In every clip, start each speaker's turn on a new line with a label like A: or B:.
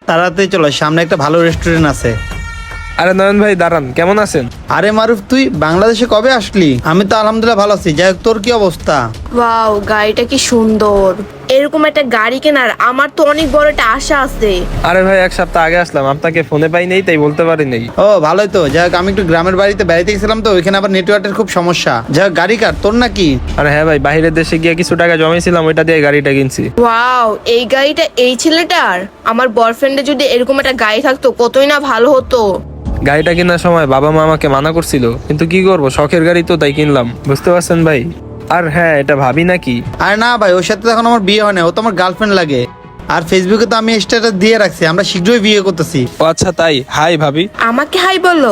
A: তাড়াতাড়ি চলো, সামনে একটা ভালো রেস্টুরেন্ট আছে।
B: আরে নয়ন ভাই দাঁড়ান, কেমন আছেন?
A: আরে মারুফ, তুই বাংলাদেশে কবে আসলি? আমি তো আলহামদুলিল্লাহ ভালো আছি। যাই হোক, তোর কি অবস্থা?
C: ওয়াও, গাড়িটা কি সুন্দর। এরকম একটা গাড়ি কেনার আমার তো অনেক বড় একটা আশা আছে।
B: আরে ভাই, এক সপ্তাহ আগে আসলাম, আপনাকে ফোনে পাই নেই তাই বলতে পারি নেই।
A: ও ভালোই তো। যাই হোক, আমি একটু গ্রামের বাড়িতে বেড়াইতে গেছিলাম, তো ওইখানে আবার নেটওয়ার্কের খুব সমস্যা। যাই হোক, গাড়ি কার, তোর নাকি?
B: আরে হ্যাঁ ভাই, বাইরের দেশে গিয়ে কিছু টাকা জমাইছিলাম, ওইটা দিয়ে গাড়িটা কিনছি।
C: ওয়াও, এই গাড়িটা এই ছেলেটার। আমার বয়ফ্রেন্ডের যদি এরকম একটা গাড়ি থাকতো কতই না ভালো হতো।
B: গাড়িটা কেনার সময় বাবা মা আমাকে মানা করছিল, কিন্তু কি করবো, শখের গাড়ি তো তাই কিনলাম, বুঝতে পারছেন ভাই। আর হ্যাঁ, এটা ভাবি নাকি?
A: আরে না ভাই, ওর সাথে তো এখন আমার বিয়ে হয় না, ও তো আমার গার্লফ্রেন্ড লাগে। আর ফেসবুকে তো আমি স্ট্যাটাস দিয়ে রাখছি আমরা শীঘ্রই বিয়ে করতেছি।
B: ও আচ্ছা তাই, হাই ভাবি।
C: আমাকে হাই বললো?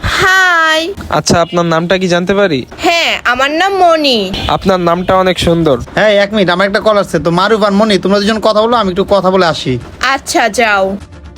C: হাই।
B: আচ্ছা, আপনার নামটা কি জানতে পারি?
C: হ্যাঁ, আমার নাম মনি।
B: আপনার নামটা অনেক সুন্দর।
A: হ্যাঁ, 1 মিনিট, আমার একটা কল আসছে। তো মারুফ আর মনি, তোমরা দুজন কথা বলো, আমি একটু কথা বলে আসি।
C: আচ্ছা যাও।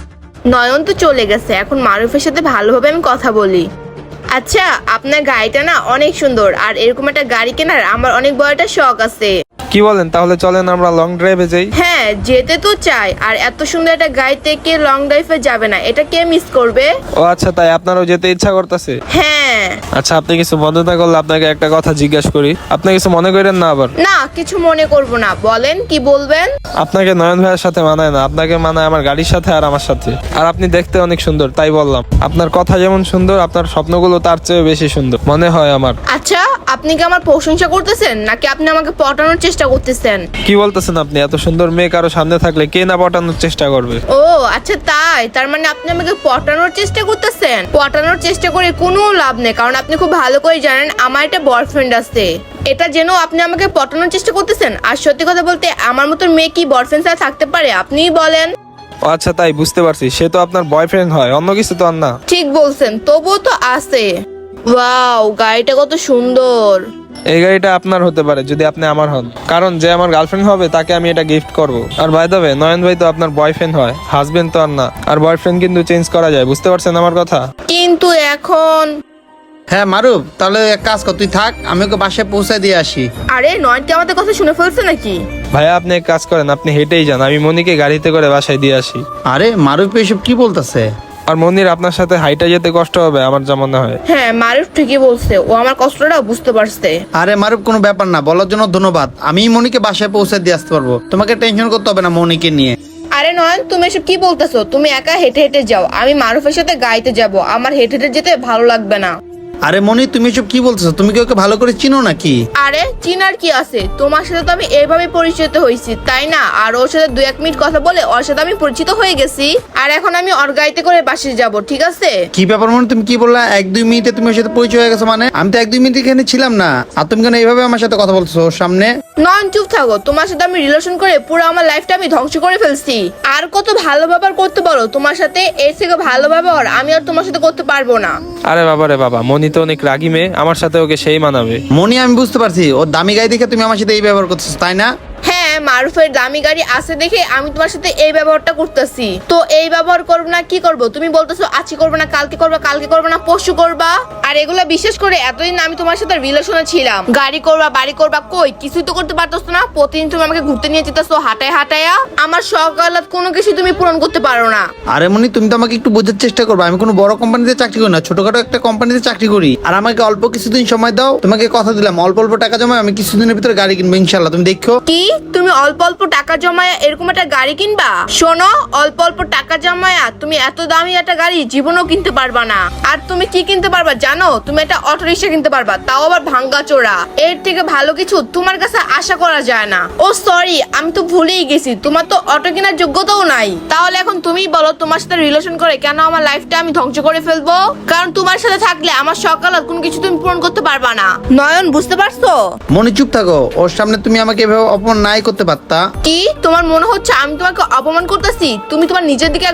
C: নয়ন তো চলে গেছে, এখন মারুফের সাথে ভালোভাবে আমি কথা বলি। আচ্ছা, আপনার গাড়িটা না অনেক সুন্দর, আর এরকম একটা গাড়ি কেনার আমার অনেক বড় একটা শখ আছে।
B: কি বলেন? তাহলে চলেন আমরা লং ড্রাইভে যাই।
C: হ্যাঁ, যেতে তো চাই। আর এত সুন্দর একটা গাড়িতে কে লং ড্রাইভে যাবে না? এটা কে মিস করবে?
B: ও আচ্ছা তাই, আপনারও যেতে ইচ্ছা করতেছে?
C: হ্যাঁ।
B: আচ্ছা, আপনি কিছু মনে না করলে আপনাকে একটা কথা জিজ্ঞাসা করি, আপনি কিছু মনে করেন না আবার?
C: না, কিছু মনে করব না, বলেন কি বলবেন।
B: আপনাকে নয়ন ভাইয়ের সাথে মানায় না, আপনাকে মানায় আমার গাড়ির সাথে আর আমার সাথে। আর আপনি দেখতে অনেক সুন্দর, তাই বললাম। আপনার কথা যেমন সুন্দর, আপনার স্বপ্নগুলো তার চেয়ে বেশি সুন্দর মনে হয় আমার।
C: আচ্ছা, আপনি কি আমার প্রশংসা করতেছেন নাকি আপনি আমাকে পটানোর চেষ্টা করতেছেন?
B: কি বলতেছেন আপনি? এত সুন্দর মেয়ে কারো সামনে থাকলে কে না পটানোর চেষ্টা করবে?
C: ও আচ্ছা তাই, তার মানে আপনি আমাকে পটানোর চেষ্টা করতেছেন। পটানোর চেষ্টা করে কোনো লাভ নেই, কারণ আপনি খুব ভালো করে জানেন আমার একটা বয়ফ্রেন্ড আছে। এটা যেন আপনি আমাকে পটানোর চেষ্টা করতেছেন। আর সত্যি কথা বলতে, আমার মতন মেয়ে কি বয়ফ্রেন্ড ছাড়া থাকতে পারে? আপনিই বলেন।
B: ও আচ্ছা তাই, বুঝতে পারছি। সে তো আপনার বয়ফ্রেন্ড হয়, অন্য কিছু তো আর না।
C: ঠিক বলছেন, তবুও তো আছে। ওয়াও, গাড়িটা কত সুন্দর।
B: এই গাড়িটা আপনার হতে পারে যদি আপনি আমার হন, কারণ যে আমার গার্লফ্রেন্ড হবে তাকে আমি এটা গিফট করব। আর বাই দ্য ওয়ে, নয়ন ভাই তো আপনার বয়ফ্রেন্ড হয়, হাজবেন্ড তো আর না। আর বয়ফ্রেন্ড কিন্তু চেঞ্জ করা যায়, বুঝতে পারছেন আমার কথা?
C: কিন্তু এখন।
A: হ্যাঁ মারুফ, তাহলে এক কাজ কর, তুই থাক, আমি ওকে বাসায় পৌঁছায় দিয়ে আসি।
C: আরে নয়ন কি আমাদের কথা শুনে ফেলছে নাকি?
B: ভাইয়া, আপনি এক কাজ করেন, আপনি হেঁটেই যান, আমি মনিকে গাড়িতে করে বাসায় দিয়ে আসি।
A: আরে মারুফ এসব কি বলতেছে?
B: আর মনির আপনার সাথে হাইটা যেতে কষ্ট হবে আমার যা মনে হয়।
C: হ্যাঁ, মারুফ ঠিকই বলছে, ও আমার কষ্টটা বুঝতে পারছে।
A: আরে মারুফ, কোনো ব্যাপার না, বলার জন্য ধন্যবাদ। আমি মনিকে বাসায় পৌঁছে দিয়ে আসতে পারবো, তোমাকে টেনশন করতে হবে না মনিকে নিয়ে।
C: আরে নয়ন, তুমি এসব কি বলতেছো? তুমি একা হেঁটে হেঁটে যাও, আমি মারুফের সাথে গাইতে যাব। আমার হেঁটে হেঁটে যেতে ভালো লাগবে না।
A: আরে মনি, তুমি এসব কি বলতেছো? তুমি কি ওকে ভালো করে চিনো নাকি?
C: আরে চিনার কি আছে, তোমার সাথে তো আমি এইভাবে পরিচিত হয়েছি, তাই না? আর ওর সাথে 2-1 মিনিট কথা বলে ওর সাথে আমি পরিচিত হয়ে গেছি। আর এখন আমি ওর গাড়িতে করে বাসে যাব, ঠিক আছে?
A: কি ব্যাপার মনি, তুমি কি বললা 1-2 মিনিটে তুমি ওর সাথে পরিচয় হয়ে গেছো? মানে আমি তো 1-2 মিনিট এখানে ছিলাম না, আর তুমি কেন এইভাবে আমার সাথে কথা বলছো ওর সামনে?
C: নয়ন চুপ থাকো, তোমার সাথে আমি রিলেশন করে পুরো আমার লাইফটা আমি ধ্বংস করে ফেলছি। আর কত ভালো ব্যবহার করতে পারো তোমার সাথে? এর থেকে ভালো ব্যবহার আমি আর তোমার সাথে করতে পারবো না।
B: আরে বাবা রে বাবা, মনি তো অনেক রাগী মেয়ে, আমার সাথে ওকে সেই মানাবে।
A: মনি, আমি বুঝতে পারছি ওর দামি গাড়ি দেখে তুমি আমার সাথে এই ব্যবহার করতেছো, তাই না?
C: হ্যাঁ, মারুফের দামি গাড়ি আছে দেখে আমি তোমার সাথে এই ব্যবহারটা করতেছি। তো এই ব্যবহার করবো না কি করবো? তুমি বলতেছো আজকে করবে না, কালকে করবা, কালকে করবে না, পরশু করবা। আর এগুলো বিশেষ করে এতদিন আমি তোমার সাথে রিলেশনে ছিলাম, গাড়ি করবা, বাড়ি করবা, কই কিছুই তো করতে পারতেছো না। প্রতিদিন তুমি আমাকে ঘুরতে নিয়ে যেতেছো হাঁটায় হাঁটায়া, আমার শখ আহ্লাদ কোনো কিছু তুমি পূরণ করতে পারো না।
A: আরে মনি, তুমি তো আমাকে একটু বোঝার চেষ্টা করবে। আমি কোনো বড় কোম্পানিতে চাকরি করি না, ছোটখাটো একটা কোম্পানিতে চাকরি করি। আর আমাকে অল্প কিছুদিন সময় দাও, তোমাকে কথা দিলাম অল্প অল্প টাকা জমায় আমি কিছুদিনের ভিতরে গাড়ি কিনবো ইনশাল্লাহ, তুমি দেখো।
C: কি তুমি অল্প অল্প টাকা জমায়া এরকম একটা গাড়ি কিনবা? শোনো, অল্প অল্প টাকা জমায়া তুমি এত দামি একটা গাড়ি জীবনেও কিনতে পারবা না। আর তুমি কি কিনতে পারবা জানো? তুমি একটা অটো রিক্সা কিনতে পারবা, তাও আবার ভাঙ্গা চোরা। এর থেকে ভালো কিছু তোমার কাছে আশা করা যায় না। ও সরি, আমি তো ভুলেই গেছি, তোমার তো অটো কেনার যোগ্যতাও নাই। তাহলে এখন তুমি বলো, তোমার সাথে রিলেশন করে কেন আমার লাইফটা আমি ধ্বংস করে ফেলবো? কারণ তোমার সাথে থাকলে আমার সকালে কোনো কিছু তুমি পূরণ করতে পারবা না। নয়ন, বুঝতে পারছো?
A: মনি চুপ থাকো, ওর সামনে তুমি আমাকে এভাবে অপমান নাই করতে পারতা।
C: কি তোমার মনে হচ্ছে আমি তোমাকে অপমান করতেছি? তুমি তোমার নিজের দিকে একবার তাকাও।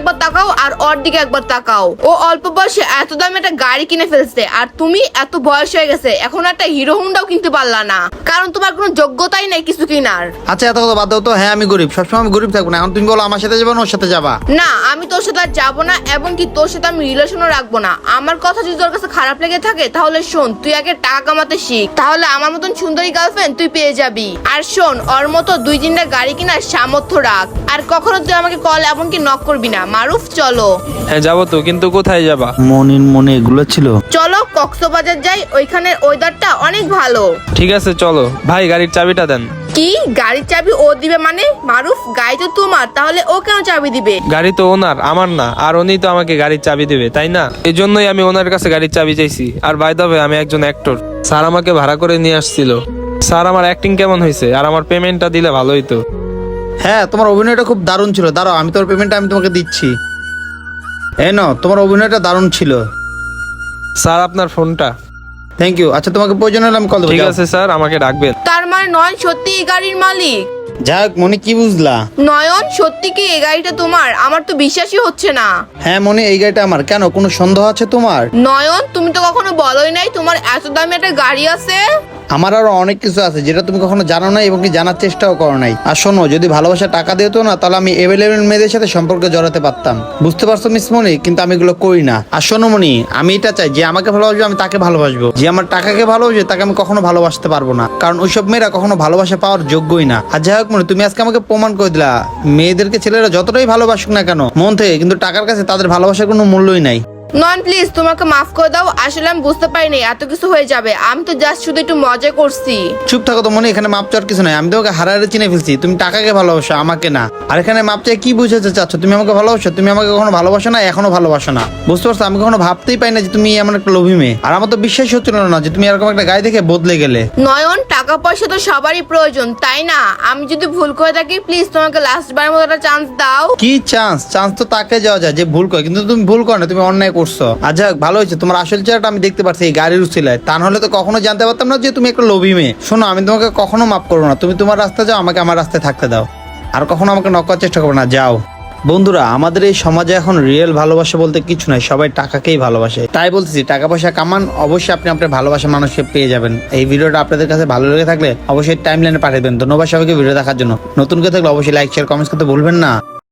C: তাকাও আর ওর দিকে একবার তাকাও। ও অল্প বয়সে এত দামি একটা গাড়ি কিনে ফেলছে, আর তুমি এত বয়স হয়ে গেছে এখন একটা হিরো হুন্ডাও কিনতে পারলা না, কারণ তোমার কোনো যোগ্যতাই নেই কিছু কিনার।
A: আচ্ছা এত কথা বাদ দাও তো। হ্যাঁ আমি গরিব, সবসময় আমি গরিব থাকবো না। এখন তুমি বলো আমার সাথে যাবা না ওর সাথে যাবা?
C: না, আমি তোর সাথে আর যাবো না, এবং কি তোর সাথে আমি রিলেশনও রাখবো না। আমার কথা যদি তোর কাছে খারাপ লেগে থাকে তাহলে শোন, তুই আগে টাকা কামাতে শিখ, তাহলে আমার মতন সুন্দরী গার্লফ্রেন্ড তুই পেয়ে যাবি। আর শোন, ওর মতো 2-3টা গাড়ি কিনার সামর্থ্য রাখ, আর কখনো তুই আমাকে কল এমনকি নক করবি না। মারুফ চলো।
B: হ্যাঁ যাবো তো, কিন্তু কোথায় যাবা?
A: মনির মনে এগুলো ছিল।
C: চলো কক্সবাজার যাই, ওইখানের ওয়েদারটা অনেক ভালো।
B: ঠিক আছে চলো। ভাই গাড়ির চাবিটা দেন।
C: কি গাড়ির চাবি ও দিবে মানে? মারুফ, গাড়ি তো তোমার, তাহলে ও কেন চাবি দিবে?
B: গাড়ি তো ওনার, আমার না। আর উনি তো আমাকে গাড়ির চাবি দেবে, তাই না? এই জন্যই আমি ওনার কাছে গাড়ির চাবি চাইছি। আর বাই দ্য ওয়ে, আমি একজন অ্যাক্টর। স্যার আমাকে ভাড়া করে নিয়ে আসছিল। স্যার আমার অ্যাক্টিং কেমন হয়েছে আর আমার পেমেন্টটা দিলে ভালো হইতো।
A: হ্যাঁ তোমার অভিনয়টা খুব দারুণ ছিল। দাঁড়াও আমি তোর পেমেন্টটা আমি তোমাকে দিচ্ছি। এই নাও, তোমার অভিনয়টা দারুণ ছিল।
B: স্যার আপনার ফোনটা।
A: Thank you. আচ্ছা তোমাকে প্রয়োজন হলে আমি কল দেবো।
B: ঠিক
A: যাও।
B: আছে স্যার, আমাকে ডাকবেন।
C: তার মানে নয়ন সত্যি এই গাড়ির মালিক?
A: যাক মনি, কি বুঝলা?
C: নয়ন সত্যি কি এই গাড়িটা তোমার? আমার তো বিশ্বাসই হচ্ছে না।
A: হ্যাঁ মনি, এই গাড়িটা আমার। কেন, কোনো সন্দেহ আছে তোমার?
C: নয়ন, তুমি তো কখনো বলোই নাই তোমার এত দামি একটা গাড়ি আছে।
A: আমার আরো অনেক কিছু আছে যেটা তুমি কখনো জানো না এবং কি জানার চেষ্টাও করো নাই। আর শোনো, যদি ভালোবাসা টাকা দিত না তাহলে আমি এভেলেবেল মেয়েদের সাথে সম্পর্কে জড়াতে পারতাম। বুঝতে পারছো মিস মনি? কিন্তু আমি এগুলো করি না। আর শোনো মনি, আমি এটা চাই যে আমাকে ভালোবাসবে আমি তাকে ভালোবাসবো, যে আমার টাকাকে ভালোবাসবে তাকে আমি কখনো ভালোবাসতে পারবো না, কারণ ওইসব মেয়েরা কখনো ভালোবাসা পাওয়ার যোগ্যই না। আর যাই হোক মনি, তুমি আজকে আমাকে প্রমাণ করে দিলা মেয়েদেরকে ছেলেরা যতটাই ভালোবাসুক না কেন মন থেকে, কিন্তু টাকার কাছে তাদের ভালোবাসার কোনো মূল্যই নাই।
C: নয়ন প্লিজ তোমাকে মাফ করে দাও, আসলে আমি বুঝতে পারিনি এত কিছু হয়ে যাবে। আমি তো জাস্ট শুধু একটু মজা করছি।
A: চুপ থাকো তো মনে, এখানে মাপ চাওয়ার কিছু নাই। আমি তোমাকে হারারে চিনে ফেলছি, তুমি টাকাকে ভালোবাসো আমাকে না। আর এখানে মাপ চাই কি বুঝাতে চাচ্ছ? তুমি আমাকে ভালোবাসো? তুমি আমাকে কখনো ভালোবাসো না, এখনো ভালোবাসো না। বুঝতে পারছো? আমি কখনো ভাবতেই পাই না যে তুমি এমন একটা লোভী মেয়ে। আর আমার তো বিশ্বাস হচ্ছিল না যে তুমি এরকম একটা গায়ে দেখে বদলে গেলে।
C: নয়ন, টাকা পয়সা তো সবারই প্রয়োজন, তাই না? আমি যদি ভুল করে থাকি প্লিজ তোমাকে লাস্ট বারের মতো একটা চান্স দাও।
A: কি চান্স? চান্স তো তাকে যাওয়া যায় যে ভুল করে, কিন্তু তুমি ভুল করো না, তুমি অন্যায় করছো। আর যাক ভালো হয়েছে, তোমার আসল চেহারাটা আমি দেখতে পাচ্ছি এই গাড়ির উচিলায়। তা নাহলে তো কখনো জানতে পারতাম না যে তুমি একটা লোভী মেয়ে। শোনো, আমি তোমাকে কখনো মাফ করবো না। তুমি তোমার রাস্তা যাও, আমাকে আমার রাস্তায় থাকতে দাও। আর কখনো আমাকে নক করার চেষ্টা করবে না, যাও। বন্ধুরা, আমাদের এই সমাজে এখন রিয়েল ভালোবাসা বলতে কিছু নাই, সবাই টাকাকেই ভালোবাসে। তাই বলতেছি, টাকা পয়সা কামান, অবশ্যই আপনি আপনার ভালোবাসা মানুষকে পেয়ে যাবেন। এই ভিডিওটা আপনাদের কাছে ভালো লেগে থাকলে অবশ্যই টাইমলাইনে পাঠিয়ে দেবেন। ধন্যবাদ সবাইকে ভিডিও দেখার জন্য। নতুন কেউ থাকলে অবশ্যই লাইক শেয়ার কমেন্টস করতে ভুলবেন না।